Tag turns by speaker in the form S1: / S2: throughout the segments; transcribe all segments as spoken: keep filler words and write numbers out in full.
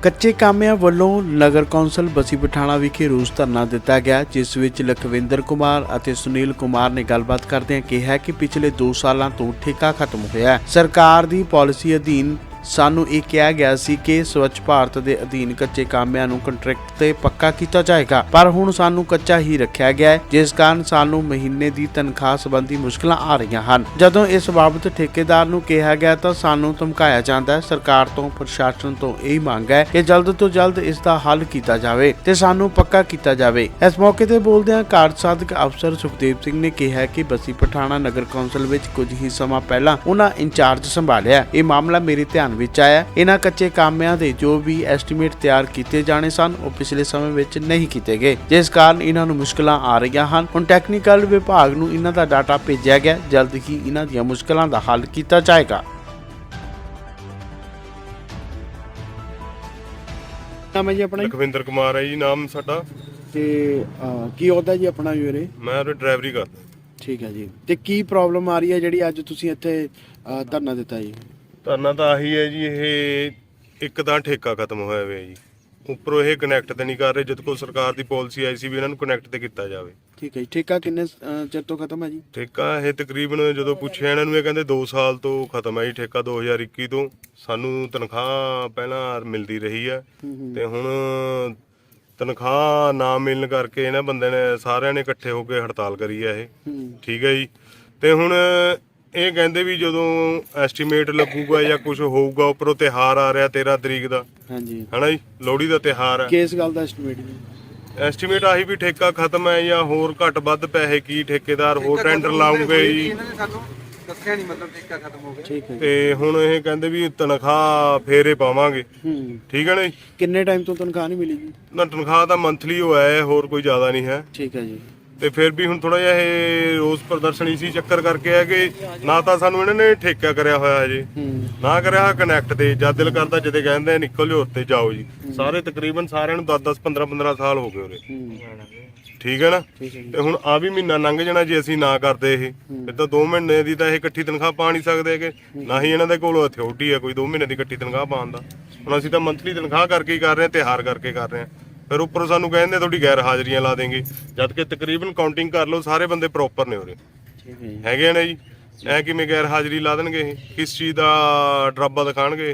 S1: ਕੱਚੇ ਕਾਮਿਆਂ ਵੱਲੋਂ ਨਗਰ ਕੌਂਸਲ ਬਸੀ ਪਠਾਣਾ ਵਿਖੇ ਰੋਸ ਧਰਨਾ ਦਿੱਤਾ ਗਿਆ, ਜਿਸ ਵਿੱਚ ਲਖਵਿੰਦਰ ਕੁਮਾਰ ਅਤੇ ਸੁਨੀਲ ਕੁਮਾਰ ਨੇ ਗੱਲਬਾਤ ਕਰਦਿਆਂ ਕਿਹਾ ਕਿ ਪਿਛਲੇ ਦੋ ਸਾਲਾਂ ਤੋਂ ਠੇਕਾ ਖਤਮ ਹੋਇਆ ਹੈ। ਸਰਕਾਰ ਦੀ ਪਾਲਿਸੀ ਅਧੀਨ ਸਾਨੂੰ ਇਹ ਕਿਹਾ ਗਿਆ ਸੀ ਕਿ ਸਵੱਛ ਭਾਰਤ ਦੇ ਅਧੀਨ ਕੱਚੇ ਕਾਮਿਆਂ ਨੂੰ ਕੰਟਰੈਕਟ ਤੇ ਪੱਕਾ ਕੀਤਾ ਜਾਏਗਾ, ਪਰ ਹੁਣ ਸਾਨੂੰ ਕੱਚਾ ਹੀ ਰੱਖਿਆ ਗਿਆ ਹੈ, ਜਿਸ ਕਾਰਨ ਸਾਨੂੰ ਮਹੀਨੇ ਦੀ ਤਨਖਾਹ ਸੰਬੰਧੀ ਮੁਸ਼ਕਲਾਂ ਆ ਰਹੀਆਂ ਹਨ। ਜਦੋਂ ਇਸ ਬਾਬਤ ਠੇਕੇਦਾਰ ਨੂੰ ਕਿਹਾ ਗਿਆ ਤਾਂ ਸਾਨੂੰ ਧਮਕਾਇਆ ਜਾਂਦਾ ਹੈ। ਸਰਕਾਰ ਤੋਂ ਪ੍ਰਸ਼ਾਸਨ ਤੋਂ ਇਹ ਮੰਗ ਹੈ ਕਿ ਜਲਦ ਤੋਂ ਜਲਦ ਇਸ ਦਾ ਹੱਲ ਕੀਤਾ ਜਾਵੇ ਤੇ ਸਾਨੂੰ ਪੱਕਾ ਕੀਤਾ ਜਾਵੇ। ਇਸ ਮੌਕੇ ਤੇ ਬੋਲਦਿਆਂ ਕਾਰਜ ਸਾਧਕ ਅਫਸਰ ਸੁਖਦੇਵ ਸਿੰਘ ਨੇ ਕਿਹਾ ਕਿ ਬਸੀ ਪਠਾਣਾ ਨਗਰ ਕੌਂਸਲ ਵਿੱਚ ਕੁਝ ਹੀ ਸਮਾਂ ਪਹਿਲਾਂ ਉਹਨਾਂ ਇੰਚਾਰਜ ਸੰਭਾਲਿਆ। ਇਹ ਮਾਮਲਾ ਮੇਰੇ ਧਿਆਨ ਵਿੱਚ ਆਇਆ। ਇਹਨਾਂ ਕੱਚੇ ਕਾਮਿਆਂ ਦੇ ਜੋ ਵੀ ਐਸਟੀਮੇਟ ਤਿਆਰ ਕੀਤੇ ਜਾਣੇ ਸਨ ਉਹ ਪਿਛਲੇ ਸਮੇਂ ਵਿੱਚ ਨਹੀਂ ਕੀਤੇ ਗਏ, ਜਿਸ ਕਾਰਨ ਇਹਨਾਂ ਨੂੰ ਮੁਸ਼ਕਲਾਂ ਆ ਰਹੀਆਂ ਹਨ। ਹੁਣ ਟੈਕਨੀਕਲ ਵਿਭਾਗ ਨੂੰ ਇਹਨਾਂ ਦਾ ਡਾਟਾ ਭੇਜਿਆ ਗਿਆ, ਜਲਦ ਹੀ ਇਹਨਾਂ ਦੀਆਂ ਮੁਸ਼ਕਲਾਂ ਦਾ ਹੱਲ ਕੀਤਾ ਜਾਏਗਾ। ਨਾਮ ਹੈ ਜੀ ਆਪਣਾ?
S2: ਲਖਵਿੰਦਰ ਕੁਮਾਰ ਹੈ ਜੀ ਨਾਮ ਸਾਡਾ।
S1: ਤੇ ਕੀ ਹੁੰਦਾ ਜੀ ਆਪਣਾ ਵੀਰੇ?
S2: ਮੈਂ ਉਹ ਡਰਾਈਵਰੀ ਕਰਦਾ।
S1: ਠੀਕ ਹੈ ਜੀ। ਤੇ ਕੀ ਪ੍ਰੋਬਲਮ ਆ ਰਹੀ ਹੈ ਜਿਹੜੀ ਅੱਜ ਤੁਸੀਂ ਇੱਥੇ ਧਰਨਾ ਦਿੱਤਾ ਜੀ?
S2: ਧਰਨਾ ਤਾਂ ਆਹੀ ਹੈ ਜੀ, ਇਹ ਇੱਕ ਤਾਂ ਠੇਕਾ ਖਤਮ ਹੋਇਆ ਹੋਇਆ ਜੀ, ਉੱਪਰੋਂ ਇਹ ਕਨੈਕਟ ਤੇ ਨਹੀਂ ਕਰ ਰਹੇ, ਜਦ ਕੋ ਸਰਕਾਰ ਦੀ ਪਾਲਿਸੀ ਆਈ ਸੀ ਵੀ ਇਹਨਾਂ ਨੂੰ ਕਨੈਕਟ ਤੇ ਕੀਤਾ ਜਾਵੇ। ਠੀਕ ਹੈ ਜੀ। ਠੇਕਾ ਕਿੰਨੇ ਚਿਰ ਤੋਂ ਖਤਮ ਹੈ ਜੀ? ਠੇਕਾ ਇਹ ਤਕਰੀਬਨ ਜਦੋਂ ਪੁੱਛਿਆ ਇਹਨਾਂ ਨੂੰ ਇਹ ਕਹਿੰਦੇ ਦੋ ਸਾਲ ਤੋਂ ਖਤਮ ਹੈ ਜੀ ਠੇਕਾ। ਦੋ ਹਜ਼ਾਰ ਇੱਕੀ ਤੋਂ ਸਾਨੂੰ ਤਨਖਾਹ ਪਹਿਲਾਂ ਮਿਲਦੀ ਰਹੀ ਹੈ ਤੇ ਹੁਣ ਤਨਖਾਹ ਨਾ ਮਿਲਣ ਕਰਕੇ ਇਹਨਾਂ ਬੰਦੇ ਨੇ ਸਾਰਿਆਂ ਨੇ ਇਕੱਠੇ ਹੋ ਕੇ ਹੜਤਾਲ ਕਰੀ ਹੈ ਇਹ। ਠੀਕ ਹੈ ਜੀ। ਤੇ ਹੁਣ ਇਹ ਕਹਿੰਦੇ ਵੀ ਜਦੋਂ ਐਸਟੀਮੇਟ ਲੱਗੂਗਾ ਜਾਂ ਕੁਝ ਹੋਊਗਾ, ਉੱਪਰੋਂ ਤਿਉਹਾਰ ਆ ਰਿਹਾ ਤੇਰਾਂ ਤਰੀਕ ਦਾ। ਹਾਂਜੀ। ਹਨਾ ਜੀ, ਲੋਹੜੀ ਦਾ ਤਿਉਹਾਰ ਹੈ। ਕਿਸ ਗੱਲ ਦਾ ਐਸਟੀਮੇਟ ਜੀ? ਐਸਟੀਮੇਟ ਆਹੀ ਵੀ ਠੇਕਾ ਖਤਮ ਹੈ ਜਾਂ ਹੋਰ ਘੱਟ ਵੱਧ ਪੈਸੇ ਕੀ ਠੇਕੇਦਾਰ ਹੋਰ ਟੈਂਡਰ ਲਾਉਂਗੇ ਜੀ।
S3: ਦੱਸਿਆ ਨਹੀਂ ਮਤਲਬ ਠੇਕਾ ਖਤਮ ਹੋ ਗਿਆ।
S1: ਠੀਕ ਹੈ।
S2: ਤੇ ਹੁਣ ਇਹ ਕਹਿੰਦੇ ਵੀ ਤਨਖਾਹ ਫੇਰੇ ਪਾਵਾਂਗੇ। ਠੀਕ ਹੈ ਨਾ ਜੀ।
S1: ਕਿੰਨੇ ਟਾਈਮ ਤੋਂ ਤਨਖਾਹ ਨਹੀਂ ਮਿਲੀ ਜੀ?
S2: ਨਾ, ਤਨਖਾਹ ਤਾਂ ਮੰਥਲੀ ਹੋਇਆ ਹੈ, ਹੋਰ ਕੋਈ ਜ਼ਿਆਦਾ ਨਹੀਂ ਹੈ।
S1: ਠੀਕ ਹੈ ਜੀ। ਤੇ
S2: ਫਿਰ ਵੀ ਹੁਣ ਥੋੜਾ ਜਿਹਾ ਇਹ ਰੋਸ ਪ੍ਰਦਰਸ਼ਨ ਇਸੀ ਚੱਕਰ ਕਰਕੇ ਹੈ ਕਿ ਨਾ ਤਾਂ ਸਾਨੂੰ ਇਹਨਾਂ ਨੇ ਠੇਕਾ ਕਰਿਆ ਹੋਇਆ ਹਜੇ, ਨਾ ਕਰਿਆ ਕਨੈਕਟ ਤੇ। ਜਦ ਦਿਲ ਕਰਦਾ ਜਦੇ ਕਹਿੰਦੇ ਨਿਕਲ ਜਾਓ ਉੱਤੇ ਜਾਓ ਜੀ। ਸਾਰੇ ਤਕਰੀਬਨ ਸਾਰਿਆਂ ਨੂੰ ਦਸ ਦਸ ਪੰਦਰਾਂ ਪੰਦਰਾਂ ਸਾਲ ਹੋ ਗਏ ਉਰੇ। ਠੀਕ ਹੈ ਨਾ। ਤੇ ਹੁਣ ਆ ਵੀ ਮਹੀਨਾ ਲੰਘ ਜਾਣਾ ਜੇ ਅਸੀਂ ਨਾ ਕਰਦੇ ਇਹ, ਫਿਰ ਤਾਂ ਦੋ ਮਹੀਨੇ ਦੀ ਤਾਂ ਇਹ ਇਕੱਠੀ ਤਨਖਾਹ ਪਾ ਨਹੀਂ ਸਕਦੇ ਹੈਗੇ, ਨਾ ਹੀ ਇਹਨਾਂ ਦੇ ਕੋਲ ਅਥਾਰਟੀ ਹੈ ਕੋਈ ਦੋ ਮਹੀਨੇ ਦੀ ਇਕੱਠੀ ਤਨਖਾਹ ਪਾਉਣ ਦਾ। ਹੁਣ ਅਸੀਂ ਤਾਂ ਮੰਥਲੀ ਤਨਖਾਹ ਕਰਕੇ ਹੀ ਕਰ ਰਹੇ ਹਾਂ, ਤਿਉਹਾਰ ਕਰਕੇ ਕਰ ਰਹੇ ਹਾਂ। ਫਿਰ ਉੱਪਰੋਂ ਸਾਨੂੰ ਕਹਿੰਦੇ ਤੁਹਾਡੀ ਗੈਰ ਹਾਜ਼ਰੀਆਂ ਲਾ ਦੇਂਗੇ, ਜਦ ਕਿ ਤਕਰੀਬਨ ਕਾਊਂਟਿੰਗ ਕਰ ਲਓ ਸਾਰੇ ਬੰਦੇ ਪ੍ਰੋਪਰ ਨੇ ਉਰੇ ਹੈਗੇ ਨੇ ਜੀ। ਐ ਕਿਵੇਂ ਗੈਰ ਹਾਜ਼ਰੀ ਲਾ ਦੇਣਗੇ ਇਹ? ਕਿਸ ਚੀਜ਼ ਦਾ ਡਰਾਬਾ ਦਿਖਾਣਗੇ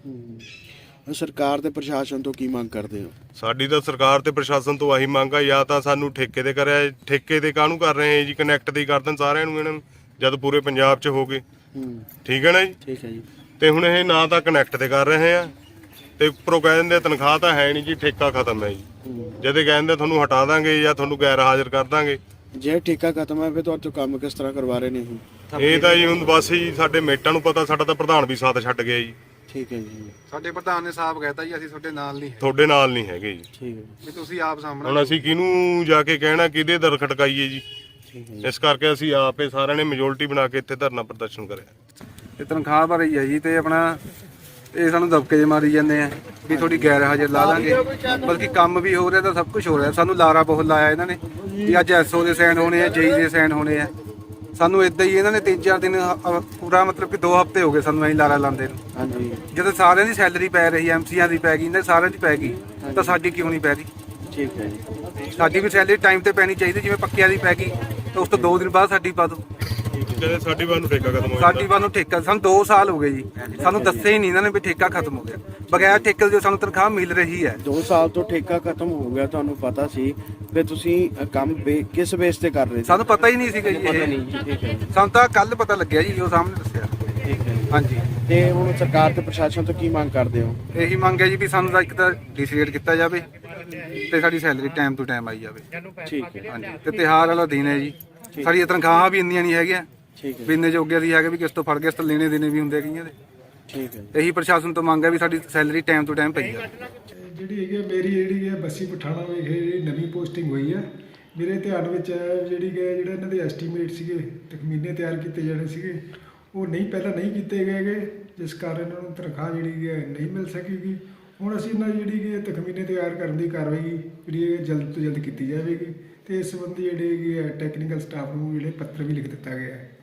S2: ਇਹ?
S1: ਸਰਕਾਰ ਤੇ ਪ੍ਰਸ਼ਾਸਨ ਤੋਂ ਕੀ ਮੰਗ ਕਰਦੇ ਹੋ?
S2: ਸਾਡੀ ਤਾਂ ਸਰਕਾਰ ਤੇ ਪ੍ਰਸ਼ਾਸਨ ਤੋਂ ਆਹੀ ਮੰਗ ਆ, ਜਾਂ ਤਾਂ ਸਾਨੂੰ ਠੇਕੇ ਤੇ ਕਰਿਆ, ਠੇਕੇ ਤੇ ਕਾਹਨੂੰ ਕਰ ਰਹੇ ਜੀ, ਕਨੈਕਟ ਤੇ ਹੀ ਕਰ ਦੇਣ ਸਾਰਿਆਂ ਨੂੰ ਇਹਨਾਂ ਨੂੰ, ਜਦ ਪੂਰੇ ਪੰਜਾਬ 'ਚ ਹੋ ਗਏ। ਠੀਕ ਹੈ ਨਾ ਜੀ। ਠੀਕ ਹੈ ਜੀ। ਤੇ ਹੁਣ ਇਹ ਨਾ ਤਾਂ ਕਨੈਕਟ ਤੇ ਕਰ ਰਹੇ ਆ ਤੇ ਉੱਪਰੋਂ ਕਹਿ ਦਿੰਦੇ ਤਨਖਾਹ ਤਾਂ ਹੈ ਨਹੀਂ ਜੀ, ਠੇਕਾ ਖਤਮ ਹੈ ਜੀ। ਜਦੇ ਕਹਿੰਦੇ ਤੁਹਾਨੂੰ ਹਟਾ ਦਾਂਗੇ ਜਾਂ ਤੁਹਾਨੂੰ ਗੈਰ ਹਾਜ਼ਰ ਕਰ ਦਾਂਗੇ।
S1: ਜੇ ਠੇਕਾ ਖਤਮ ਹੈ ਫਿਰ ਤੁਹਾਡੇ ਕੰਮ ਕਿਸ ਤਰ੍ਹਾਂ ਕਰਵਾ ਰਹੇ ਨੇ?
S2: ਇਹ ਤਾਂ ਜੀ ਹੁਣ ਬਸ ਜੀ ਸਾਡੇ ਮੇਟਾਂ ਨੂੰ ਪਤਾ, ਸਾਡਾ ਤਾਂ ਪ੍ਰਧਾਨ ਵੀ ਸਾਥ ਛੱਡ ਗਿਆ ਜੀ।
S1: ਠੀਕ ਹੈ ਜੀ।
S3: ਸਾਡੇ ਪ੍ਰਧਾਨ ਨੇ ਸਾਫ਼ ਕਹਿਤਾ ਜੀ ਅਸੀਂ ਤੁਹਾਡੇ ਨਾਲ ਨਹੀਂ,
S2: ਤੁਹਾਡੇ ਨਾਲ ਨਹੀਂ ਹੈਗੇ ਜੀ।
S1: ਠੀਕ ਹੈ
S3: ਵੀ ਤੁਸੀਂ ਆਪ ਸਾਹਮਣੇ।
S2: ਹੁਣ ਅਸੀਂ ਕਿਹਨੂੰ ਜਾ ਕੇ ਕਹਿਣਾ, ਕਿਹਦੇ ਦਰ ਖਟਕਾਈਏ ਜੀ? ਇਸ ਕਰਕੇ ਅਸੀਂ ਆਪੇ ਸਾਰਿਆਂ ਨੇ ਮੈਜੋਰਟੀ ਬਣਾ ਕੇ ਇੱਥੇ ਧਰਨਾ ਪ੍ਰਦਰਸ਼ਨ ਕਰਿਆ।
S3: ਇਹ ਤਨਖਾਹ ਭਰੀ ਹੈ ਜੀ, ਤੇ ਆਪਣਾ ਇਹ ਸਾਨੂੰ ਦਬਕੇ ਮਾਰੀ ਜਾਂਦੇ ਆ ਵੀ ਤੁਹਾਡੀ ਗੈਰ ਹਾਜ਼ਰ ਲਾ ਦਾਂਗੇ, ਬਲਕਿ ਕੰਮ ਵੀ ਹੋ ਰਿਹਾ ਤਾਂ ਸਭ ਕੁਝ ਹੋ ਰਿਹਾ। ਸਾਨੂੰ ਲਾਰਾ ਬਹੁਤ ਲਾਇਆ ਇਹਨਾਂ ਨੇ ਵੀ ਅੱਜ ਐਸਓ ਦੇ ਸਾਈਨ ਹੋਣੇ ਆ, ਜੇਈ ਦੇ ਸਾਈਨ ਹੋਣੇ ਆ। ਸਾਨੂੰ ਇਦਾਂ ਹੀ ਇਹਨਾਂ ਨੇ ਤਿੰਨ ਚਾਰ ਦਿਨ ਪੂਰਾ ਮਤਲਬ ਕਿ ਦੋ ਹਫ਼ਤੇ ਹੋ ਗਏ ਸਾਨੂੰ ਐਂ ਲਾਰਾ ਲਾਉਂਦੇ ਨੂੰ। ਹਾਂਜੀ। ਜਦੋਂ ਸਾਰਿਆਂ ਦੀ ਸੈਲਰੀ ਪੈ ਰਹੀ, ਐਮਸੀਆਂ ਦੀ ਪੈ ਗਈ, ਇਹਨਾਂ ਸਾਰਿਆਂ ਦੀ ਪੈ ਗਈ, ਤਾਂ ਸਾਡੀ ਕਿਉਂ ਨਹੀਂ ਪੈ ਰਹੀ? ਠੀਕ ਹੈ ਜੀ। ਸਾਡੀ ਵੀ ਸੈਲਰੀ ਟਾਈਮ ਤੇ ਪੈਣੀ ਚਾਹੀਦੀ, ਜਿਵੇਂ ਪੱਕਿਆਂ ਦੀ ਪੈ ਗਈ ਤਾਂ ਉਸ ਤੋਂ ਦੋ ਦਿਨ ਬਾਅਦ ਸਾਡੀ ਪਾ ਦਿਓ।
S2: ਸਾਡੀ ਵਾਰ ਨੂੰ ਠੇਕਾ ਖਤਮ ਹੋ ਗਿਆ।
S3: ਸਾਡੀ ਵਾਰ ਨੂੰ ਠੇਕਾ ਸਾਨੂੰ ਦੋ ਸਾਲ ਹੋ ਗਏ ਜੀ, ਸਾਨੂੰ ਦੱਸਿਆ ਹੀ ਨਹੀਂ ਇਹਨਾਂ ਨੇ ਵੀ ਠੇਕਾ ਖਤਮ ਹੋ ਗਿਆ। ਬਗੈਰ ਠੇਕੇ ਦੇ ਸਾਨੂੰ ਤਨਖਾਹ ਮਿਲ ਰਹੀ ਹੈ।
S1: ਦੋ ਸਾਲ ਤੋਂ ਠੇਕਾ ਖਤਮ ਹੋ ਗਿਆ, ਤੁਹਾਨੂੰ ਪਤਾ ਸੀ? ਫਿਰ ਤੁਸੀਂ ਕੰਮ ਕਿਸ ਬੇਸ ਤੇ ਕਰ ਰਹੇ ਸੀ?
S3: ਸਾਨੂੰ ਪਤਾ ਹੀ ਨਹੀਂ ਸੀਗਾ ਜੀ ਇਹ। ਸਾਨੂੰ ਤਾਂ ਕੱਲ ਪਤਾ ਲੱਗਿਆ ਜੀ, ਉਹ ਸਾਹਮਣੇ ਦੱਸਿਆ। ਠੀਕ ਹੈ। ਹਾਂਜੀ। ਤੇ
S1: ਹੁਣ ਸਰਕਾਰ ਤੇ ਪ੍ਰਸ਼ਾਸਨ ਤੋਂ ਕੀ ਮੰਗ ਕਰਦੇ ਹੋ?
S3: ਇਹੀ ਮੰਗ ਹੈ ਜੀ ਵੀ ਸਾਨੂੰ ਤਾਂ ਇੱਕ ਤਾਂ ਡਿਸਾਈਡ ਕੀਤਾ ਜਾਵੇ ਤੇ ਸਾਡੀ ਸੈਲਰੀ ਟਾਈਮ ਟੂ ਟਾਈਮ ਆਈ ਜਾਵੇ।
S1: ਠੀਕ ਹੈ।
S3: ਹਾਂਜੀ। ਤੇ ਤਿਉਹਾਰ ਵਾਲਾ ਦਿਨ ਹੈ ਜੀ, ਸਾਡੀਆਂ ਤਨਖਾਹਾਂ ਵੀ ਇੰਨੀਆਂ ਨਹੀਂ ਹੈਗੀਆਂ ਵੀ ਇੰਨੇ ਜੋਗੇ ਅਸੀਂ ਹੈਗੇ ਵੀ ਕਿਸ ਤੋਂ ਫੜ ਕੇ ਇਸ ਤੋਂ ਲੈਣੇ ਦੇਣੇ ਵੀ ਹੁੰਦੇ ਕਈਆਂ ਦੇ। ਠੀਕ ਹੈ। ਇਹੀ ਪ੍ਰਸ਼ਾਸਨ ਤੋਂ ਮੰਗ ਹੈ ਵੀ ਸਾਡੀ ਸੈਲਰੀ ਟਾਈਮ ਟੂ ਟਾਈਮ ਪਈ ਜਾਵੇ।
S4: ਜਿਹੜੀ ਹੈਗੀ ਮੇਰੀ ਜਿਹੜੀ ਹੈ ਬਸੀ ਪਠਾਣਾ ਵਿਖੇ ਜਿਹੜੀ ਨਵੀਂ ਪੋਸਟਿੰਗ ਹੋਈ ਹੈ, ਮੇਰੇ ਧਿਆਨ ਵਿੱਚ ਜਿਹੜੀ ਹੈ ਜਿਹੜਾ ਇਹਨਾਂ ਦੇ ਐਸਟੀਮੇਟ ਸੀਗੇ ਤਖਮੀਨੇ ਤਿਆਰ ਕੀਤੇ ਜਾਣੇ ਸੀਗੇ, ਉਹ ਨਹੀਂ ਪਹਿਲਾਂ ਨਹੀਂ ਕੀਤੇ ਗਏ ਗੇ, ਜਿਸ ਕਾਰਨ ਇਹਨਾਂ ਨੂੰ ਤਨਖਾਹ ਜਿਹੜੀ ਹੈ ਨਹੀਂ ਮਿਲ ਸਕੇਗੀ। ਹੁਣ ਅਸੀਂ ਇਹਨਾਂ ਜਿਹੜੀ ਕਿ ਤਖਮੀਨੇ ਤਿਆਰ ਕਰਨ ਦੀ ਕਾਰਵਾਈ ਜਿਹੜੀ ਹੈ ਜਲਦ ਤੋਂ ਜਲਦ ਕੀਤੀ ਜਾਵੇਗੀ ਤੇ ਇਸ ਸੰਬੰਧੀ ਜਿਹੜੇ ਹੈਗੇ ਟੈਕਨੀਕਲ ਸਟਾਫ ਨੂੰ ਜਿਹੜੇ ਪੱਤਰ ਵੀ ਲਿਖ ਦਿੱਤਾ ਗਿਆ ਹੈ।